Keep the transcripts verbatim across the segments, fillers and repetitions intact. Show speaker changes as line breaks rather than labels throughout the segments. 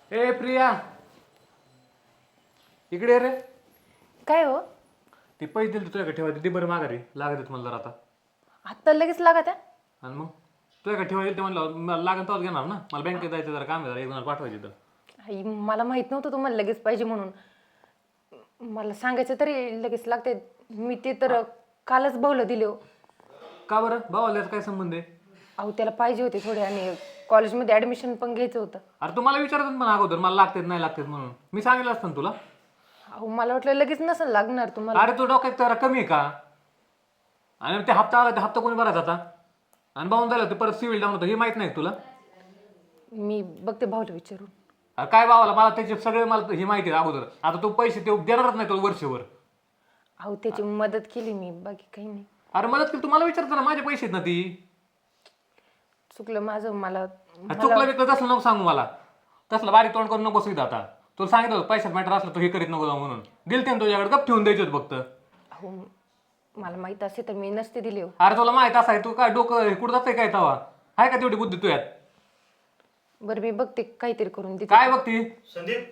ए प्रिया, इकडे ये रे.
काय हो?
ती पैसे दिले तुझ्याकडे ठेवायचे ती बरं माघारी लागत आहेत मला जरा आता.
आत्ता लगेच लागत आहे?
आणि मग तुझ्याकडे ठेवायला ते म्हणलं मला लागेल तेव्हाच घेणार ना. मला बँकेत जायचं जरा काम आहे, जरा एक जण पाठवायची तर.
आई, मला माहित नव्हतं तुम्हाला लगेच पाहिजे म्हणून. मला सांगायचं तरी लगेच लागते. मी ते तर कालच भाऊला दिले हो.
का बरं? भावाला काय संबंध आहे?
अहो त्याला पाहिजे होते थोडे आणि कॉलेजमध्ये ॲडमिशन पण घ्यायचं होतं.
अरे तू मला विचारत पण अगोदर मला लागतात नाही लागतात म्हणून मी सांगितलं असतं ना तुला.
अहो मला वाटलं लगेच नसेल लागणार तुम्हाला.
अरे तू डोक्यात जरा कमी आहे का? आणि ते हप्ता आला ते हप्ता कोणी भरायचा आता? आणि भाऊन झालं ते परत सिव्हिल डाऊन होतं हे माहित नाही का तुला?
मी बघते भाऊला विचारून.
अरे काय भावाला मला त्याचे सगळे मला ही माहिती आहे अगोदर. आता तू पैसे ते देणारच नाही तुला वर्षभर.
अहो त्याची मदत केली मी, बाकी काही नाही.
अरे मदत केली तुम्हाला विचारतो ना, माझे पैसे आहेत ना ती.
चुकलं माझं. मला
चुकलं बिकलं तसलं नको सांगू मला. तसलं बारीक तोंड करून नको बसू आता. तुला सांगितलं होतं पैशात मॅटर असलं तर हे करीत नको जाऊ म्हणून. दिलते ना तुझ्याकडे गप ठेवून द्यायचे होते फक्त.
अहो मला माहित असे तर मी नसते दिले हो.
अरे तुला माहित असाय तू काय डोकं कुठं जातंय काय तवा? आहे का तेवढी बुद्धी तुझ्यात?
बरं मी बघते काहीतरी करून देते.
काय बघती?
संदीप,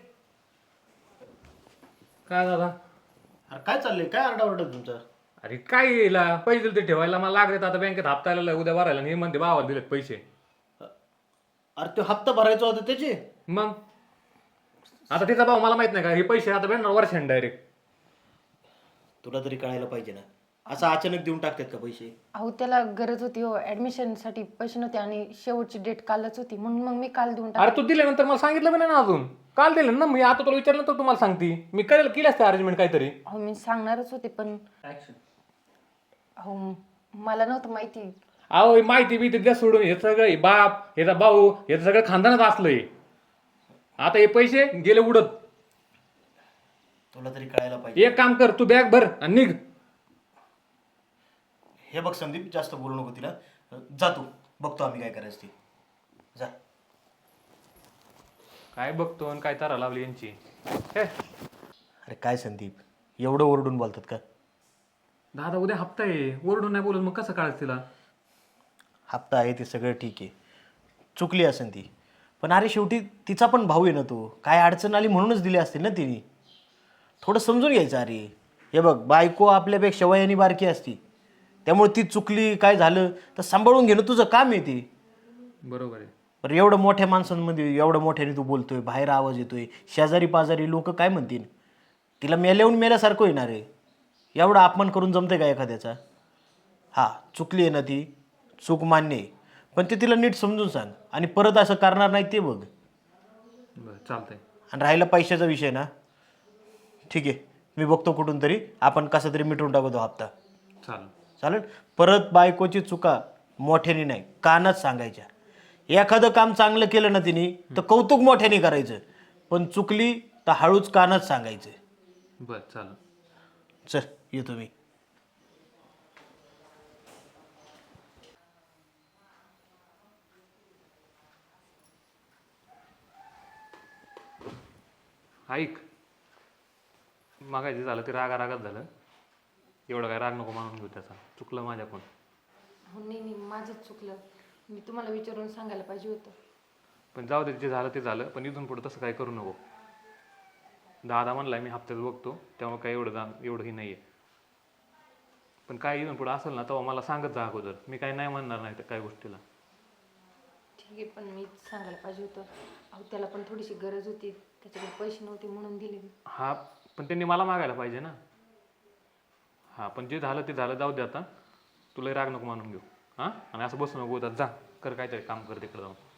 काय दादा?
अरे काय चाललंय? काय आरडाओरडा तुमचा?
अरे काय येईला पैसे दिले ते ठेवायला मला लागले आता बँकेत हप्ता आलेला उद्या भरायला आणि हे म्हणते भावाला दिलेत पैसे.
अरे तो हप्ता भरायचा होता त्याचे?
मग आता तिचा भाऊ मला माहित नाही का हे पैसे आता भेटणार वर्षाने डायरेक्ट.
तुला तरी कळायला पाहिजे ना, असं अचानक देऊन टाकतात का पैसे?
अहो त्याला गरज होती हो, ॲडमिशनसाठी पैसे नव्हते आणि शेवटची डेट कालच होती म्हणून मग मी काल देऊन टाकले.
अरे तू दिल्यानंतर मला सांगितलं पण नाही ना अजून. काल दिलं ना मी, आता तुला विचारलं तर तुम्हाला सांगते मी करेल केली असते अरेंजमेंट काहीतरी.
अहो मी सांगणारच होते पण अहो मला नव्हतं माहिती.
अहो ही माहिती बी द्या सोडून हे सगळं हे बाप ह्याचा भाऊ हे सगळं खानदानच असलंय. आता हे पैसे गेले उडत.
तुला तरी कळायला पाहिजे.
एक काम कर तू बॅग भर आणि निघ.
हे बघ संदीप, जास्त बोलू नको तिला. जा तू, बघतो आम्ही काय करायचं ते. जा.
काय बघतो आणि काय तारा लावली यांची. हे
अरे काय संदीप, एवढं ओरडून बोलतात का?
दादा उद्या हप्ता आहे, ओरडून नाही बोलत मग कसं काढायचं तिला?
हप्ता आहे ते सगळं ठीक आहे, चुकली असेल ती. पण अरे शेवटी तिचा पण भाऊ आहे ना तो. काय अडचण आली म्हणूनच दिली असतील ना तिने. थोडं समजून घ्यायचं. अरे हे बघ, बायको आपल्यापेक्षा वयाने बारकी असती, त्यामुळे ती चुकली काय झालं तर सांभाळून घेणं तुझं काम आहे ते.
बरोबर आहे.
बरं एवढं मोठ्या माणसांमध्ये एवढं मोठ्याने तू बोलतोय, बाहेर आवाज येतोय, शेजारी पाजारी लोक काय म्हणतील? तिला मेल्याहून मेल्यासारखं येणार आहे. एवढा अपमान करून जमते का एखाद्याचा? हा चुकली आहे ना ती, चूक मान्य आहे, पण ते तिला नीट समजून सांग आणि परत असं करणार नाही ते बघ.
बरं चालतंय.
आणि राहिला पैशाचा विषय ना, ठीक आहे, मी बघतो कुठून तरी आपण कसं तरी मिटवून टाकतो हप्ता.
चालेल
चालेल. परत बायकोची चुका मोठ्याने नाही कानात सांगायच्या. एखादं काम चांगलं केलं ना तिने तर कौतुक मोठ्याने करायचं, पण चुकली तर हळूच कानात सांगायचं.
बरं चालेल.
चल येतो मी.
ऐक, मागायचं झालं ते रागा रागात झालं. एवढं काय राग नको मानून घेऊ त्याचा. चुकलं माझ्याकडून.
हो नाही नाही माझंच चुकलं. मी तुम्हाला विचारून सांगायला पाहिजे होतं.
पण जाऊ दे, जे झालं ते झालं. पण इथून पुढं तसं काय करू नको. दादा म्हणलाय मी हप्त्यात बघतो, त्यामुळे काय एवढं जा एवढंही नाही आहे. पण काय इथून पुढं असेल ना तेव्हा मला सांगत जा अगोदर. मी काही नाही म्हणणार नाही त्या काय गोष्टीला.
ठीक आहे, पण मी सांगायला पाहिजे होतं. अहो त्याला पण थोडीशी गरज होती, त्याच्याकडे पैसे नव्हते म्हणून दिले मी.
हा पण त्यांनी मला मागायला पाहिजे ना. हां पण जे झालं ते झालं, जाऊ दे आता. तुला राग नको मानून घेऊ. हां आणि असं बसू नको, जा कर काहीतरी काम कर तिकडे जाऊन.